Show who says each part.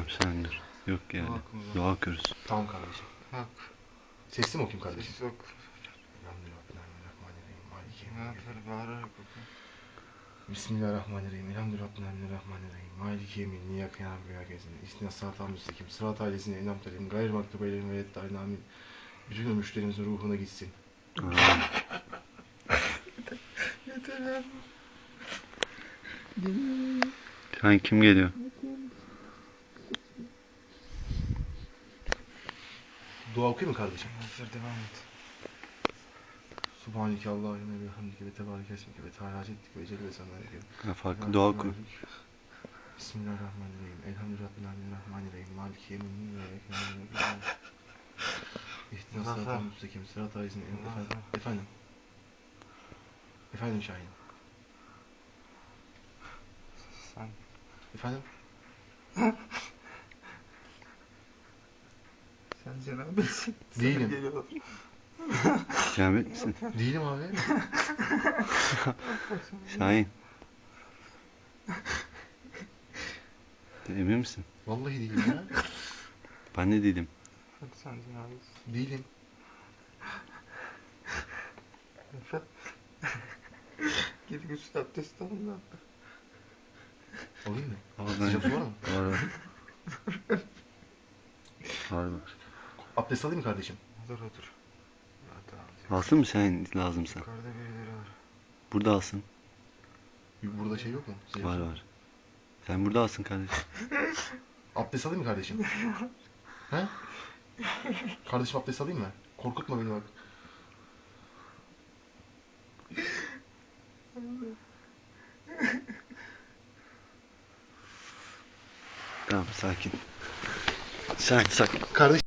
Speaker 1: sen dur. Yok yani. Dua okuyoruz.
Speaker 2: Tamam kardeşim.
Speaker 3: Hak.
Speaker 2: Sesli mi okuyayım kardeşim?
Speaker 3: Ses yok. Bağırarak oku.
Speaker 2: Bismillahirrahmanirrahim. Elhamdülillahirrahmanirrahim. Maliki yemin. Niyâke nâbudu ve iyâke nestaîn. İhdina sıratal müstakim. Sıratal lezîne en'amte aleyhim. Gayril mağdûbi aleyhim ve leddâllîn. Amin. Bütün ölmüşlerimizin ruhuna gitsin.
Speaker 3: Yeter abi.
Speaker 1: Şahin kim geliyor?
Speaker 2: Dua okuyayım mı kardeşim?
Speaker 3: Hazır devam et.
Speaker 2: Subhaneke Allahümme ve hamdike ve tebareke esmike ve teâlâ ceddik ve celle sanâike.
Speaker 1: Ha, farklı dua oku.
Speaker 2: Bismillahirrahmanirrahim. Elhamdülillahirrahmanirrahim. Maliki yemin. Niyâke nâbudu ve iyâke nestaîn. İhdina sıratal müstakim. Sıratal lezîne Efendim. Efendim Şahin.
Speaker 3: Sen.
Speaker 2: Efendim?
Speaker 3: Sen cenabetsin.
Speaker 2: Değilim.
Speaker 1: Cenabet misin?
Speaker 2: Değilim abi.
Speaker 1: Şahin. Emin misin?
Speaker 2: Vallahi değilim ya.
Speaker 1: Ben de değilim.
Speaker 3: Bak sen cenabetsin.
Speaker 2: Değilim.
Speaker 3: Efe. Gidip üstü abdest alın da.
Speaker 2: Alayım mı?
Speaker 1: Oradan.
Speaker 2: Sıcak su var mı?
Speaker 1: Var. Var.
Speaker 2: Abdest alayım mı kardeşim?
Speaker 3: Otur. Zaten alacak.
Speaker 1: Alsın mı Şahin lazımsa?
Speaker 3: Yukarıda birileri var.
Speaker 1: Burada alsın.
Speaker 2: Burada şey yok mu? Sıcak
Speaker 1: Var
Speaker 2: su.
Speaker 1: var. Sen burada alsın kardeşim.
Speaker 2: Abdest alayım mı kardeşim? He? Kardeşim abdest alayım mı? Korkutma beni bak.
Speaker 1: Tamam sakin. Sen sakin.
Speaker 2: Kardeşim